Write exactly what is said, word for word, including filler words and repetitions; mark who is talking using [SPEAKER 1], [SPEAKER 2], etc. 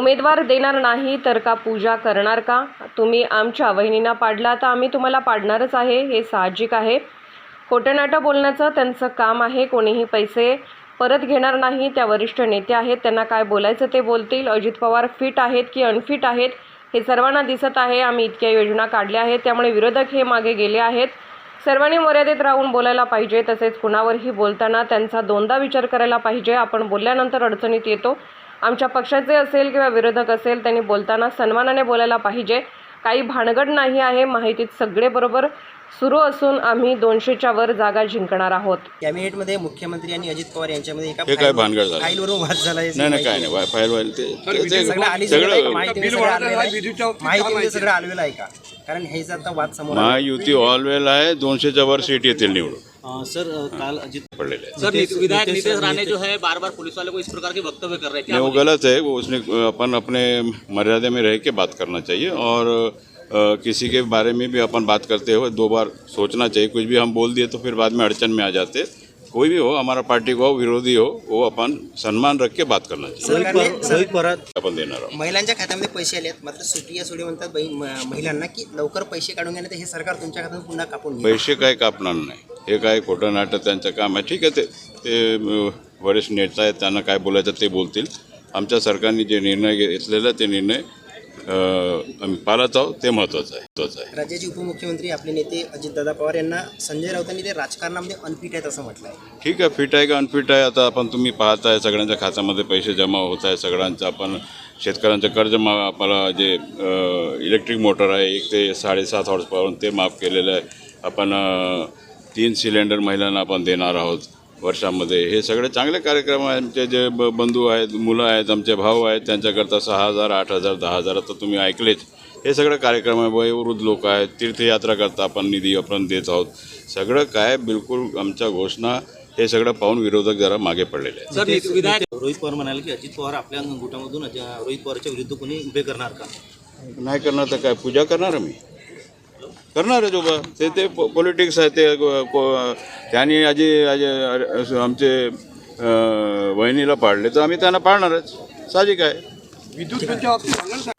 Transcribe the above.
[SPEAKER 1] उमेदवार देणार नाही तर का पूजा करणार का? तुम्ही आमच्या वहिनींना पाडला तर आम्ही तुम्हाला पाडणारच आहे, हे साहजिक आहे. खोटं-नाटं बोलण्याचं त्यांचं काम आहे. कोणीही पैसे परत घेणार नाही. त्या वरिष्ठ नेते आहेत, त्यांना काय बोलायचं ते बोलतील. अजित पवार फिट आहेत की अनफिट आहेत हे सर्वांना दिसत आहे. आम्ही इतक्या योजना काढल्या आहेत, त्यामुळे विरोधक हे मागे गेले आहेत. सर्वांनी मर्यादेत राहून बोलायला पाहिजे. तसेच कुणावरही बोलताना त्यांचा दोनदा विचार करायला पाहिजे. आपण बोलल्यानंतर अडचणीत येतो. आमच्या पक्षाचे असेल किंवा विरोधक असेल, त्यांनी बोलताना सन्मानाने बोलायला पाहिजे. काही भानगड नाही आहे. माहितीत सगळे बरोबर सुरू असून आम्ही दोनशेच्या वर जागा जिंकणार आहोत.
[SPEAKER 2] कॅबिनेटमध्ये मुख्यमंत्री आणि अजित पवार यांच्यामध्ये एका
[SPEAKER 3] हे काय भानगड झालं?
[SPEAKER 2] फाईलवरून वाद झाला.
[SPEAKER 3] नाही नाही काय नाही फाईल वाईल ते
[SPEAKER 2] सगळं आली
[SPEAKER 3] सगळं
[SPEAKER 2] माहिती सगळं आलेलं आहे का? कारण हे जर आता वाद समोर
[SPEAKER 3] महायुती ऑलवेल आहे. दोनशेच्या वर सीट येतील निवडून.
[SPEAKER 4] सर कल अजित
[SPEAKER 3] पड़ेगा
[SPEAKER 4] सर विधायक नीतीश राणे जो है बार बार पुलिस वाले को इस प्रकार के वक्तव्य कर रहे हैं,
[SPEAKER 3] नहीं वो गलत है. वो उसने अपन अपने मर्यादा में रह के बात करना चाहिए और आ, किसी के बारे में भी अपन बात करते हुए दो बार सोचना चाहिए. कुछ भी हम बोल दिए तो फिर बाद में अड़चन में आ जाते. कोई भी हो, हमारा पार्टी को हो, विरोधी हो, वो अपन सम्मान रख के बात करना चाहिए. अपन देणार आहोत.
[SPEAKER 2] महिलांच्या खात्यामध्ये पैसे आले आहेत, मात्र सुटी या सोडी म्हणतात बाई महिलांना की लवकर पैसे काढून घेण्यात हे सरकार तुमच्या खात्यातून पुन्हा कापून घेईल.
[SPEAKER 3] पैसे काय कापणार नाही. हे काय खोटं नाटक त्यांचं काम आहे. ठीक आहे, ते ते वरिष्ठ नेता आहेत, त्यांना काय बोलायचं ते बोलतील. आमच्या सरकारने जे निर्णय घेतलेला ते निर्णय आम्ही पाळत आहोत, ते महत्त्वाचं आहे महत्त्वाचं आहे.
[SPEAKER 2] राज्याचे उपमुख्यमंत्री आपले नेते अजितदादा पवार यांना संजय राऊतांनी ते राजकारणामध्ये अनफिट आहेत असं म्हटलं आहे.
[SPEAKER 3] ठीक आहे, फिट आहे का अनफिट आहे आता आपण तुम्ही पाहताय. सगळ्यांच्या खात्यामध्ये पैसे जमा होत आहे. सगळ्यांचं आपण शेतकऱ्यांचं कर्ज मा आपल्याला जे इलेक्ट्रिक मोटर आहे एक ते साडेसात हॉर्स पावर ते माफ केलेलं आहे. आपण तीन सिलेंडर महिलांना आपण देणार आहोत वर्षामध्ये. हे सगळे चांगले कार्यक्रम आहेत. आमचे जे ब बंधू आहेत, मुलं आहेत, आमचे भाऊ आहेत, त्यांच्याकरता सहा हजार आठ हजार दहा हजार आता तुम्ही ऐकलेच. हे सगळं कार्यक्रम आहे. वयोवृद्ध लोक आहेत, तीर्थयात्रा करता आपण निधी आपण देत आहोत. सगळं काय बिलकुल आमच्या घोषणा हे सगळं पाहून विरोधक जरा मागे पडलेले आहेत.
[SPEAKER 4] सर विधायक रोहित पवार म्हणाले की अजित पवार आपल्या गुटामधून रोहित पवारच्या विरुद्ध कोणी उभे करणार का?
[SPEAKER 3] नाही करणार तर काय पूजा करणार आम्ही करणार आहे. जो बा ते ते पॉलिटिक्स आहे. ते त्यांनी आजी आजी आमचे वहिनीला पाडले तर आम्ही त्यांना पाडणारच, साहजिक आहे.